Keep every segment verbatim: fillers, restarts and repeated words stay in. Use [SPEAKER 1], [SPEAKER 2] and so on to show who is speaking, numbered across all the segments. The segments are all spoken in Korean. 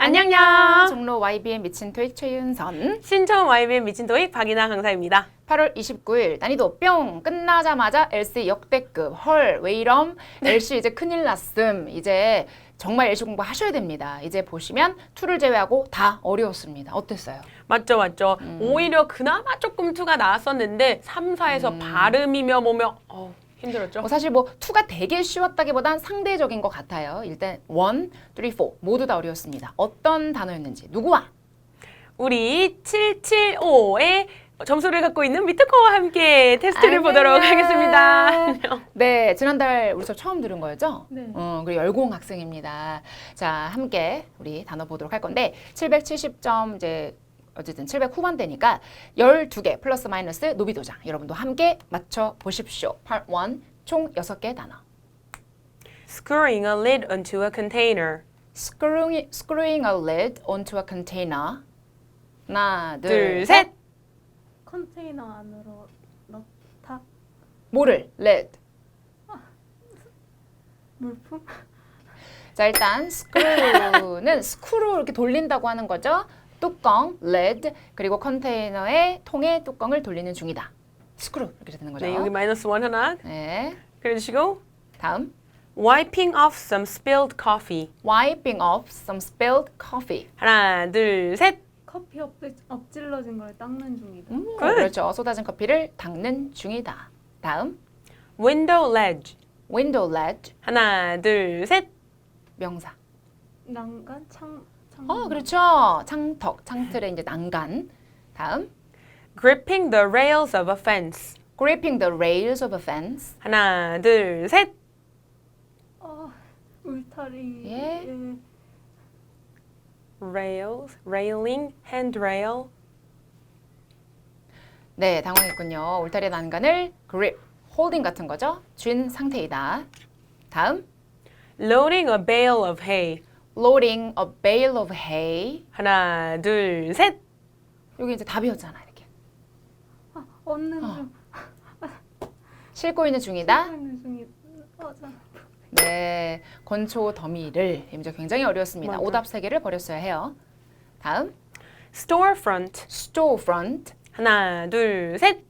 [SPEAKER 1] 안녕요.
[SPEAKER 2] 종로 와이비엠 미친 토익 최윤선.
[SPEAKER 1] 신청 와이비엠 미친 토익 박이나 강사입니다.
[SPEAKER 2] 팔월 이십구일 난이도 뿅 끝나자마자 엘씨 역대급. 헐 왜 이럼? 엘씨 이제 큰일 났음. 이제 정말 엘씨 공부 하셔야 됩니다. 이제 보시면 이를 제외하고 다 어려웠습니다. 어땠어요?
[SPEAKER 1] 맞죠, 맞죠. 음. 오히려 그나마 조금 이가 나왔었는데 삼, 사에서 음. 발음이며 뭐며 어, 힘들었죠.
[SPEAKER 2] 뭐 사실 뭐 이가 되게 쉬웠다기보단 상대적인 것 같아요. 일단 일, 삼, 사 모두 다 어려웠습니다. 어떤 단어였는지 누구와?
[SPEAKER 1] 우리 칠칠오의 점수를 갖고 있는 미트코와 함께 테스트를
[SPEAKER 2] 안녕.
[SPEAKER 1] 보도록 하겠습니다.
[SPEAKER 2] 네, 지난달 우리 수업 처음 들은 거였죠?
[SPEAKER 3] 네.
[SPEAKER 2] 어, 그리고 열공 학생입니다. 자, 함께 우리 단어 보도록 할 건데 칠백칠십 점 이제 어쨌든 칠백 후반대니까 열두 개 플러스 마이너스 노비도장 여러분도 함께 맞춰 보십시오. Part 일 총 여섯 개 단어.
[SPEAKER 1] Screwing a lid onto a container.
[SPEAKER 2] Screwing, screwing a lid onto a container. 하나, 둘,
[SPEAKER 1] 둘,
[SPEAKER 2] 셋.
[SPEAKER 1] 셋.
[SPEAKER 3] 컨테이너 안으로 넣다.
[SPEAKER 2] 뭐를? lid.
[SPEAKER 3] 물품?
[SPEAKER 2] 자, 일단 screw는 스크루 이렇게 돌린다고 하는 거죠. 뚜껑, lid, 그리고 컨테이너의 통의 뚜껑을 돌리는 중이다. 스크루 이렇게 되는 거죠.
[SPEAKER 1] 네, 여기 마이너스 원 하나
[SPEAKER 2] 네.
[SPEAKER 1] 그려주시고
[SPEAKER 2] 다음.
[SPEAKER 1] Wiping off some spilled coffee.
[SPEAKER 2] Wiping off some spilled coffee.
[SPEAKER 1] 하나, 둘, 셋.
[SPEAKER 3] 커피 엎, 엎질러진 걸 닦는 중이다.
[SPEAKER 2] 음, 그렇죠. 쏟아진 커피를 닦는 중이다. 다음.
[SPEAKER 1] Window ledge.
[SPEAKER 2] Window ledge.
[SPEAKER 1] 하나, 둘, 셋.
[SPEAKER 2] 명사.
[SPEAKER 3] 난간 창 창.
[SPEAKER 2] 어, 그렇죠. 창턱, 창틀의 이제 난간. 다음.
[SPEAKER 1] Gripping the rails of a fence.
[SPEAKER 2] Gripping the rails of a fence.
[SPEAKER 1] 하나, 둘, 셋.
[SPEAKER 3] 어, 울타리.
[SPEAKER 2] 예.
[SPEAKER 1] Rails, railing, handrail.
[SPEAKER 2] 네, 당황했군요. 울타리 난간을 grip, holding 같은 거죠. 쥔 상태이다. 다음.
[SPEAKER 1] Loading a bale of hay.
[SPEAKER 2] Loading a bale of hay.
[SPEAKER 1] 하나, 둘, 셋.
[SPEAKER 2] 여기 이제 답이었잖아, 이렇게.
[SPEAKER 3] 아, 얻는
[SPEAKER 2] 어.
[SPEAKER 3] 중.
[SPEAKER 2] 싣고 있는 중이다.
[SPEAKER 3] 하는 중이. 어, 자.
[SPEAKER 2] 네, 건초 더미를 이제 굉장히 어려웠습니다.
[SPEAKER 1] 맞아.
[SPEAKER 2] 오답 세 개를 버렸어야 해요. 다음,
[SPEAKER 1] Storefront.
[SPEAKER 2] storefront.
[SPEAKER 1] 하나, 둘, 셋.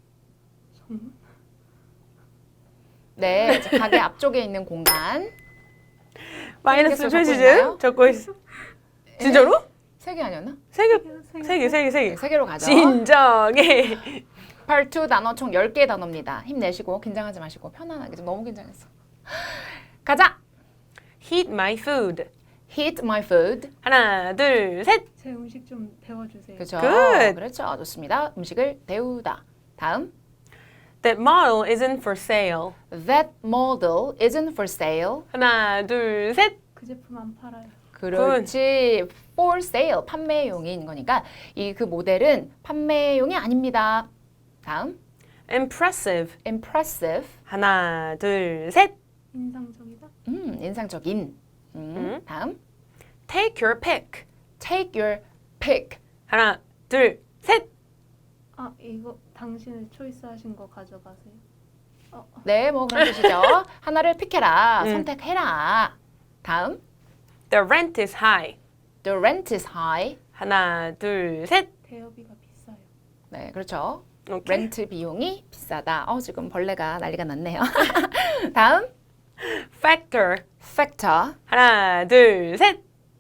[SPEAKER 2] 네, 이제 가게 앞쪽에 있는 공간.
[SPEAKER 1] 마이너스
[SPEAKER 2] 적고 있나요?
[SPEAKER 1] 표시즈 적고 있어. 진짜로?
[SPEAKER 2] 세 개 아니었나?
[SPEAKER 1] 세 개, 세 개, 세 개, 세
[SPEAKER 2] 네,
[SPEAKER 1] 개.
[SPEAKER 2] 세 개로 가죠.
[SPEAKER 1] 진정해.
[SPEAKER 2] Part 이 단어 총 열 개의 단어입니다. 힘내시고 긴장하지 마시고 편안하게. 좀 너무 긴장했어. 가자.
[SPEAKER 1] Heat my food.
[SPEAKER 2] Heat my food.
[SPEAKER 1] 하나, 둘, 셋.
[SPEAKER 3] 제 음식 좀 데워주세요.
[SPEAKER 2] 그렇죠.
[SPEAKER 1] Good.
[SPEAKER 2] 그렇죠. 좋습니다. 음식을 데우다. 다음.
[SPEAKER 1] That model isn't for sale.
[SPEAKER 2] That model isn't for sale.
[SPEAKER 1] 하나, 둘, 셋.
[SPEAKER 3] 그 제품 안 팔아요.
[SPEAKER 2] 그렇지. for sale. 판매용인 거니까 이 그 모델은 판매용이 아닙니다. 다음.
[SPEAKER 1] Impressive.
[SPEAKER 2] impressive.
[SPEAKER 1] 하나, 둘, 셋.
[SPEAKER 3] 인상적이다.
[SPEAKER 2] 음, 인상적인. 음,
[SPEAKER 1] 음.
[SPEAKER 2] 다음.
[SPEAKER 1] Take your pick.
[SPEAKER 2] take your pick.
[SPEAKER 1] 하나, 둘, 셋.
[SPEAKER 3] 아, 이거 당신의 초이스하신 거 가져가세요. 어, 어.
[SPEAKER 2] 네, 뭐 그런 뜻이죠. 하나를 픽해라.
[SPEAKER 1] 음.
[SPEAKER 2] 선택해라. 다음.
[SPEAKER 1] The rent is high.
[SPEAKER 2] The rent is high.
[SPEAKER 1] 하나, 둘, 셋.
[SPEAKER 3] 대여비가 비싸요.
[SPEAKER 2] 네, 그렇죠.
[SPEAKER 1] 오케이.
[SPEAKER 2] 렌트 비용이 비싸다. 어, 지금 벌레가 난리가 났네요. 다음.
[SPEAKER 1] Factor.
[SPEAKER 2] factor.
[SPEAKER 1] 하나, 둘, 셋.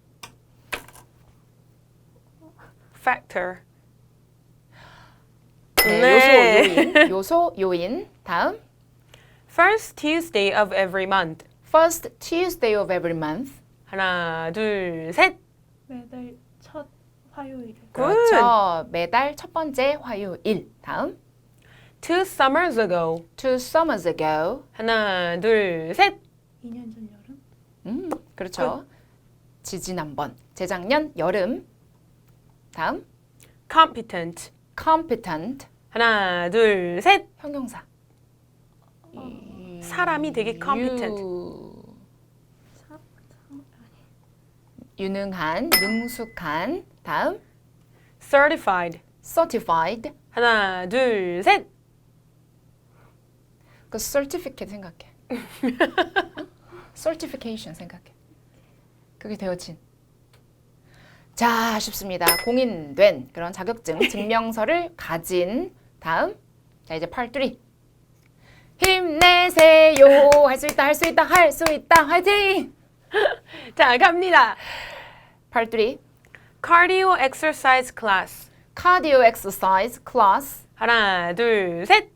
[SPEAKER 1] Factor.
[SPEAKER 2] 네,
[SPEAKER 1] 네.
[SPEAKER 2] 요소 요인. 요소 요인. 다음.
[SPEAKER 1] First Tuesday of every month.
[SPEAKER 2] First Tuesday of every month.
[SPEAKER 1] 하나, 둘, 셋.
[SPEAKER 3] 매달 첫 화요일.
[SPEAKER 2] 그렇죠. 매달 첫 번째 화요일. 다음.
[SPEAKER 1] Two summers ago.
[SPEAKER 2] Two summers ago.
[SPEAKER 1] 하나, 둘, 셋.
[SPEAKER 3] 이 년 전 여름.
[SPEAKER 2] 음, 그렇죠. 지지난번. 재작년 여름. 다음.
[SPEAKER 1] Competent.
[SPEAKER 2] competent.
[SPEAKER 1] 하나, 둘, 셋.
[SPEAKER 2] 형용사.
[SPEAKER 1] 사람이 되게 competent.
[SPEAKER 2] 유,
[SPEAKER 3] 사, 사,
[SPEAKER 2] 유능한, 능숙한. 다음.
[SPEAKER 1] Certified.
[SPEAKER 2] certified.
[SPEAKER 1] 하나, 둘, 셋.
[SPEAKER 2] 그 certificate 생각해. certification 생각해. 그게 되어진. 자, 쉽습니다. 공인된 그런 자격증, 증명서를 가진 다음. 자, 이제 팔 삼. 힘내세요. 할 수 있다, 할 수 있다, 할 수 있다. 화이팅!
[SPEAKER 1] 자, 갑니다.
[SPEAKER 2] 팔 삼.
[SPEAKER 1] Cardio exercise class.
[SPEAKER 2] Cardio exercise class.
[SPEAKER 1] 하나, 둘, 셋.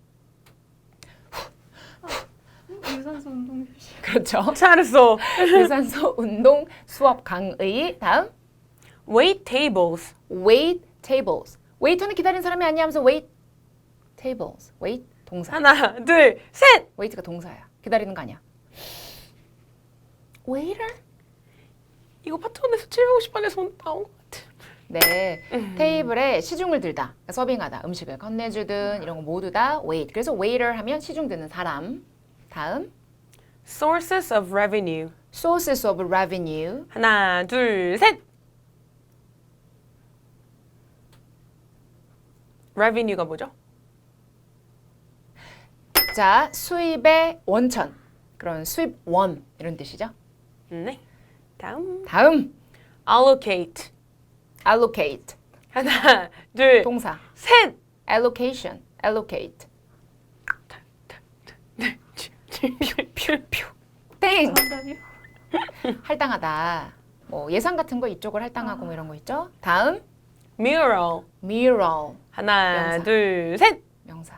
[SPEAKER 3] 유산소 운동 교실.
[SPEAKER 2] 그렇죠.
[SPEAKER 1] 잘했어.
[SPEAKER 2] 유산소 운동 수업 강의. 다음.
[SPEAKER 1] Wait tables.
[SPEAKER 2] Wait tables. 웨이터는 기다리는 사람이 아니야 하면서 wait tables. wait 동사.
[SPEAKER 1] 하나, 둘, 셋.
[SPEAKER 2] wait가 동사야. 기다리는 거 아니야. waiter?
[SPEAKER 1] 이거 파트원에서 칠백오십 번에서 나온 것 같아.
[SPEAKER 2] 네. 테이블에 시중을 들다. 그러니까 서빙하다. 음식을 건네주든 이런 거 모두 다 wait. 그래서 waiter 하면 시중 드는 사람. 다음.
[SPEAKER 1] Sources of revenue.
[SPEAKER 2] sources of revenue.
[SPEAKER 1] 하나, 둘, 셋. revenue가 뭐죠?
[SPEAKER 2] 자, 수입의 원천. 그런 수입원 이런 뜻이죠.
[SPEAKER 1] 네. 다음.
[SPEAKER 2] 다음.
[SPEAKER 1] allocate.
[SPEAKER 2] allocate.
[SPEAKER 1] 하나, 둘,
[SPEAKER 2] 동사.
[SPEAKER 1] 셋.
[SPEAKER 2] allocation. allocate. 땡!
[SPEAKER 3] 정답이요?
[SPEAKER 2] 할당하다. 뭐 예산 같은 거 이쪽을 할당하고 뭐 이런 거 있죠. 다음.
[SPEAKER 1] mural.
[SPEAKER 2] mural.
[SPEAKER 1] 하나,
[SPEAKER 2] 명사.
[SPEAKER 1] 둘, 셋.
[SPEAKER 2] 명사.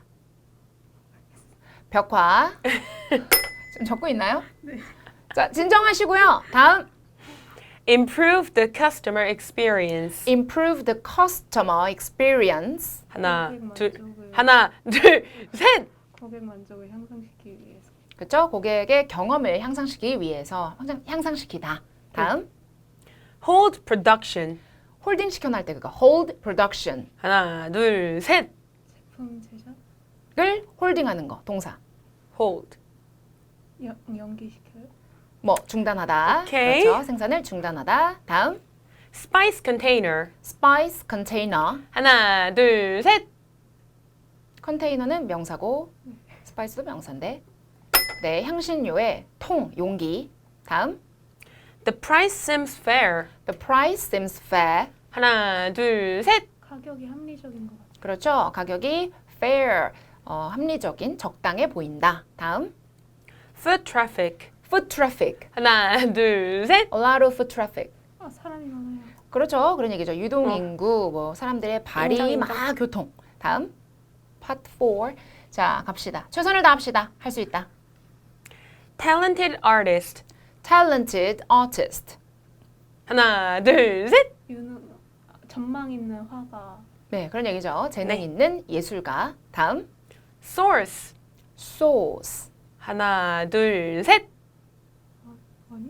[SPEAKER 2] 벽화. 좀 적고 있나요?
[SPEAKER 3] 네.
[SPEAKER 2] 자, 진정하시고요. 다음.
[SPEAKER 1] improve the customer experience.
[SPEAKER 2] improve the customer experience.
[SPEAKER 1] 하나,
[SPEAKER 3] 고객
[SPEAKER 1] 둘,
[SPEAKER 3] 만족을-
[SPEAKER 1] 하나, 둘, 셋.
[SPEAKER 3] 고객 만족을 향상시키기 위해서.
[SPEAKER 2] 그렇죠? 고객의 경험을 향상시키기 위해서 향상, 향상시키다. 다음.
[SPEAKER 1] hold production.
[SPEAKER 2] 홀딩 시켜놓을 때 그거 hold production.
[SPEAKER 1] 하나, 둘, 셋.
[SPEAKER 3] 제품 제작
[SPEAKER 2] 을 홀딩하는 거. 동사.
[SPEAKER 1] hold.
[SPEAKER 3] 연, 연기시켜요.
[SPEAKER 2] 뭐 중단하다.
[SPEAKER 1] 오케이.
[SPEAKER 2] 그렇죠? 생산을 중단하다. 다음.
[SPEAKER 1] spice container.
[SPEAKER 2] spice container.
[SPEAKER 1] 하나, 둘, 셋.
[SPEAKER 2] 컨테이너는 명사고 스파이스도 명사인데. 네, 향신료의 통, 용기. 다음.
[SPEAKER 1] the price seems fair.
[SPEAKER 2] The price seems fair.
[SPEAKER 1] 하나, 둘, 셋.
[SPEAKER 3] 가격이 합리적인 것 같아요.
[SPEAKER 2] 그렇죠? 가격이 fair, 어, 합리적인, 적당해 보인다. 다음.
[SPEAKER 1] foot traffic.
[SPEAKER 2] foot traffic.
[SPEAKER 1] 하나, 둘, 셋.
[SPEAKER 2] A lot of foot traffic.
[SPEAKER 3] 아 사람이 많아요.
[SPEAKER 2] 그렇죠. 그런 얘기죠. 유동 인구, 뭐 사람들의 발이
[SPEAKER 1] 인정,
[SPEAKER 2] 막
[SPEAKER 1] 인정.
[SPEAKER 2] 교통. 다음. part four. 자, 갑시다. 최선을 다합시다. 할 수 있다.
[SPEAKER 1] talented artist.
[SPEAKER 2] talented artist.
[SPEAKER 1] 하나, 둘, 셋.
[SPEAKER 3] 유능 전망 있는 화가
[SPEAKER 2] 네, 그런 얘기죠. 재능
[SPEAKER 1] 네.
[SPEAKER 2] 있는 예술가. 다음.
[SPEAKER 1] source.
[SPEAKER 2] source.
[SPEAKER 1] 하나, 둘, 셋.
[SPEAKER 3] 아니?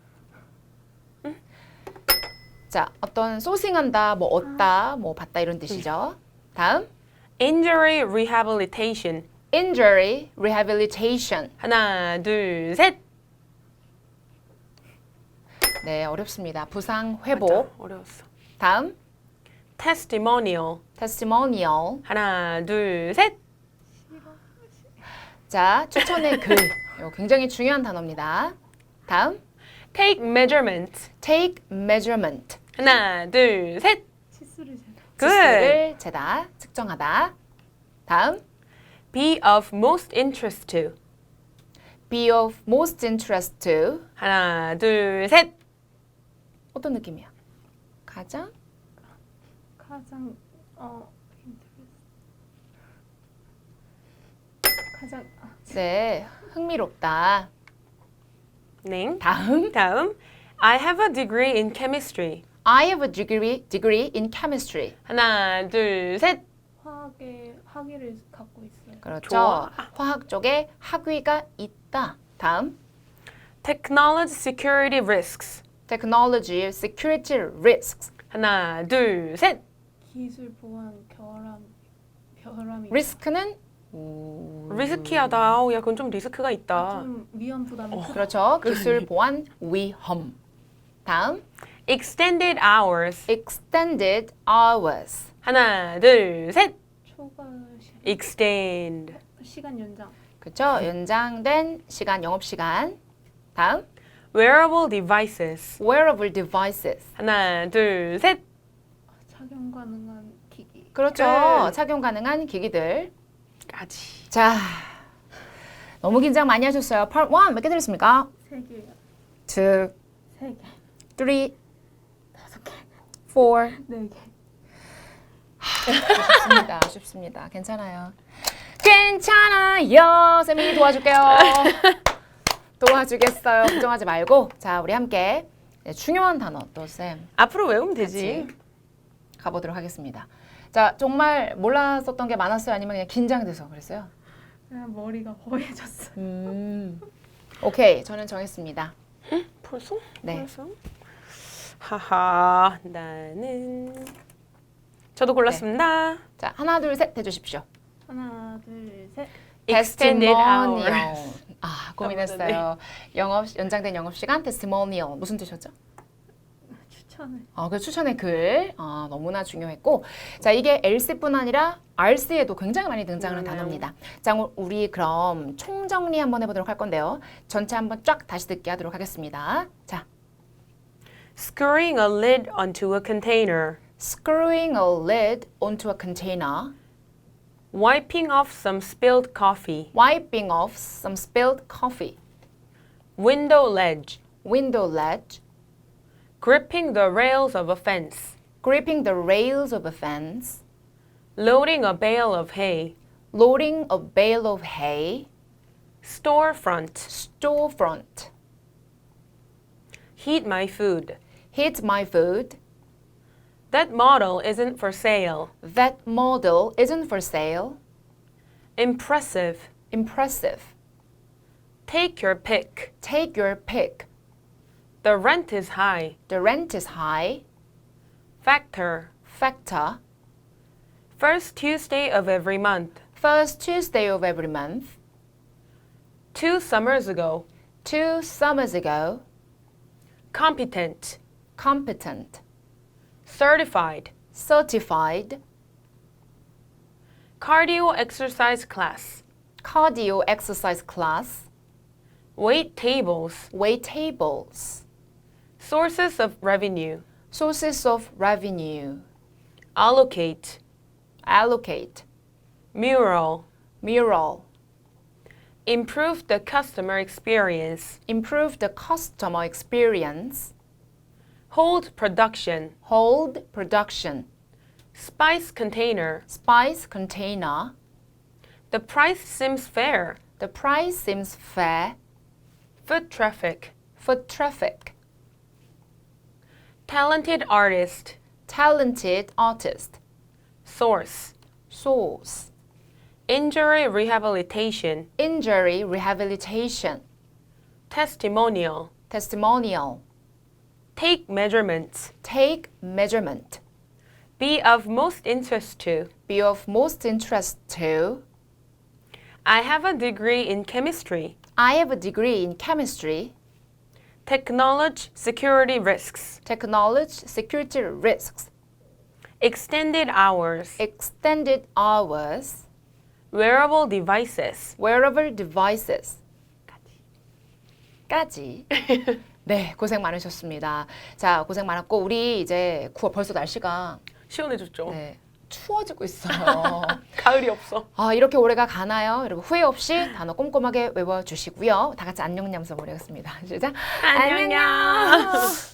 [SPEAKER 2] 자, 어떤 소싱한다, 뭐 얻다, 뭐 받다 이런 뜻이죠. 다음.
[SPEAKER 1] injury rehabilitation.
[SPEAKER 2] injury rehabilitation.
[SPEAKER 1] 하나, 둘, 셋.
[SPEAKER 2] 네, 어렵습니다. 부상 회복.
[SPEAKER 1] 맞아, 어려웠어.
[SPEAKER 2] 다음.
[SPEAKER 1] testimonial.
[SPEAKER 2] testimonial.
[SPEAKER 1] 하나, 둘, 셋.
[SPEAKER 2] 자, 추천의 글. 이거 굉장히 중요한 단어입니다. 다음.
[SPEAKER 1] take measurement.
[SPEAKER 2] take measurement.
[SPEAKER 1] 하나, 둘, 셋.
[SPEAKER 3] 치수를 재다.
[SPEAKER 1] good.
[SPEAKER 2] 지수를 재다, 측정하다. 다음.
[SPEAKER 1] be of most interest to.
[SPEAKER 2] be of most interest to.
[SPEAKER 1] 하나, 둘, 셋.
[SPEAKER 2] 어떤 느낌이야? 가장?
[SPEAKER 3] 가장 어 인터레스 가장 아,
[SPEAKER 2] 네, 흥미롭다.
[SPEAKER 1] 네.
[SPEAKER 2] 다음.
[SPEAKER 1] 다음. I have a degree in chemistry.
[SPEAKER 2] I have a degree, degree in chemistry.
[SPEAKER 1] 하나, 둘, 셋.
[SPEAKER 3] 화학의 학위를 갖고 있어요.
[SPEAKER 2] 그렇죠.
[SPEAKER 1] 좋아.
[SPEAKER 2] 화학 쪽에 학위가 있다. 다음.
[SPEAKER 1] technology security risks.
[SPEAKER 2] technology security risks.
[SPEAKER 1] 하나, 둘, 셋.
[SPEAKER 3] 기술 보안 결함 결함이
[SPEAKER 2] 리스크는
[SPEAKER 1] 리스키하다. 어, 야, 그건 좀 리스크가 있다.
[SPEAKER 3] 좀 위험 부담이 크다.
[SPEAKER 2] 그렇죠. 기술 보안 위험. 다음.
[SPEAKER 1] extended hours.
[SPEAKER 2] extended hours.
[SPEAKER 1] 하나, 둘, 셋.
[SPEAKER 3] 초과 시간,
[SPEAKER 1] extend.
[SPEAKER 3] 시간 연장.
[SPEAKER 2] 그렇죠. 연장된 시간, 영업 시간. 다음.
[SPEAKER 1] wearable devices.
[SPEAKER 2] wearable devices.
[SPEAKER 1] 하나, 둘, 셋.
[SPEAKER 3] 착용 가능한 기기.
[SPEAKER 2] 그렇죠.
[SPEAKER 1] 끝.
[SPEAKER 2] 착용 가능한 기기들.
[SPEAKER 1] 까지.
[SPEAKER 2] 자, 너무 긴장 많이 하셨어요. Part one 몇 개 들었습니까?
[SPEAKER 3] 세 개요.
[SPEAKER 2] two,
[SPEAKER 3] 세 개.
[SPEAKER 2] three,
[SPEAKER 3] 다섯 개.
[SPEAKER 2] four.
[SPEAKER 3] 네 개.
[SPEAKER 2] 아쉽습니다. 아쉽습니다. 괜찮아요. 괜찮아요. 쌤이 도와줄게요. 도와주겠어요. 걱정하지 말고. 자, 우리 함께 중요한 단어 또 쌤
[SPEAKER 1] 앞으로 외우면 되지.
[SPEAKER 2] 같이 가보도록 하겠습니다. 자, 정말 몰랐었던 게 많았어요? 아니면 그냥 긴장돼서 그랬어요?
[SPEAKER 3] 그냥 머리가 허해졌어요.
[SPEAKER 2] 음. 오케이, 저는 정했습니다.
[SPEAKER 1] 벌써?
[SPEAKER 2] 네.
[SPEAKER 1] 벌써? 하하, 나는 저도 골랐습니다.
[SPEAKER 2] 자, 하나, 둘, 셋 해주십시오.
[SPEAKER 3] 하나, 둘, 셋.
[SPEAKER 1] Extended
[SPEAKER 2] testimonial.
[SPEAKER 1] hours.
[SPEAKER 2] 아, 고민했어요. 영업 연장된 영업 시간 testimonial 무슨 뜻이었죠?
[SPEAKER 3] 추천을.
[SPEAKER 2] 어, 그 추천의 글 어, 너무나 중요했고, 자 이게 엘씨뿐 아니라 알씨에도 굉장히 많이 등장하는
[SPEAKER 1] 음.
[SPEAKER 2] 단어입니다. 자 우리 그럼 총정리 한번 해보도록 할 건데요. 전체 한번 쫙 다시 듣게 하도록 하겠습니다. 자,
[SPEAKER 1] Screwing a lid onto a container.
[SPEAKER 2] screwing a lid onto a container,
[SPEAKER 1] Wiping off some spilled coffee.
[SPEAKER 2] wiping off some spilled coffee,
[SPEAKER 1] Window ledge.
[SPEAKER 2] window ledge,
[SPEAKER 1] Gripping the rails of a fence.
[SPEAKER 2] gripping the rails of a fence,
[SPEAKER 1] Loading a bale of hay.
[SPEAKER 2] loading a bale of hay,
[SPEAKER 1] Storefront.
[SPEAKER 2] storefront,
[SPEAKER 1] Heat my food.
[SPEAKER 2] heat my food,
[SPEAKER 1] That model isn't for sale.
[SPEAKER 2] that model isn't for sale,
[SPEAKER 1] Impressive.
[SPEAKER 2] impressive,
[SPEAKER 1] Take your pick.
[SPEAKER 2] take your pick,
[SPEAKER 1] The rent is high.
[SPEAKER 2] the rent is high,
[SPEAKER 1] Factor.
[SPEAKER 2] factor,
[SPEAKER 1] First Tuesday of every month.
[SPEAKER 2] first Tuesday of every month,
[SPEAKER 1] Two summers ago.
[SPEAKER 2] two summers ago,
[SPEAKER 1] Competent.
[SPEAKER 2] competent,
[SPEAKER 1] Certified.
[SPEAKER 2] certified,
[SPEAKER 1] Cardio exercise class.
[SPEAKER 2] cardio exercise class,
[SPEAKER 1] Wait tables.
[SPEAKER 2] wait tables,
[SPEAKER 1] Sources of revenue.
[SPEAKER 2] sources of revenue,
[SPEAKER 1] Allocate.
[SPEAKER 2] allocate,
[SPEAKER 1] Mural.
[SPEAKER 2] mural,
[SPEAKER 1] Improve the customer experience.
[SPEAKER 2] improve the customer experience,
[SPEAKER 1] Hold production.
[SPEAKER 2] hold production,
[SPEAKER 1] Spice container.
[SPEAKER 2] spice container,
[SPEAKER 1] The price seems fair.
[SPEAKER 2] the price seems fair,
[SPEAKER 1] Foot traffic.
[SPEAKER 2] foot traffic,
[SPEAKER 1] Talented artist.
[SPEAKER 2] talented artist,
[SPEAKER 1] Source.
[SPEAKER 2] source,
[SPEAKER 1] Injury rehabilitation.
[SPEAKER 2] injury rehabilitation,
[SPEAKER 1] Testimonial.
[SPEAKER 2] testimonial,
[SPEAKER 1] Take measurements.
[SPEAKER 2] take measurement,
[SPEAKER 1] Be of most interest to.
[SPEAKER 2] be of most interest to,
[SPEAKER 1] I have a degree in chemistry.
[SPEAKER 2] I have a degree in chemistry,
[SPEAKER 1] Technology security risks.
[SPEAKER 2] technology security risks,
[SPEAKER 1] Extended hours.
[SPEAKER 2] extended hours,
[SPEAKER 1] Wearable devices.
[SPEAKER 2] wearable devices. 까지. 네, 고생 많으셨습니다. 자, 고생 많았고 우리 이제 구월 벌써 날씨가
[SPEAKER 1] 시원해졌죠?
[SPEAKER 2] 네, 추워지고 있어요.
[SPEAKER 1] 가을이 없어.
[SPEAKER 2] 아, 이렇게 올해가 가나요? 여러분 후회 없이 단어 꼼꼼하게 외워주시고요. 다 같이 안녕 냠서 보내겠습니다. 시작.
[SPEAKER 1] 안녕.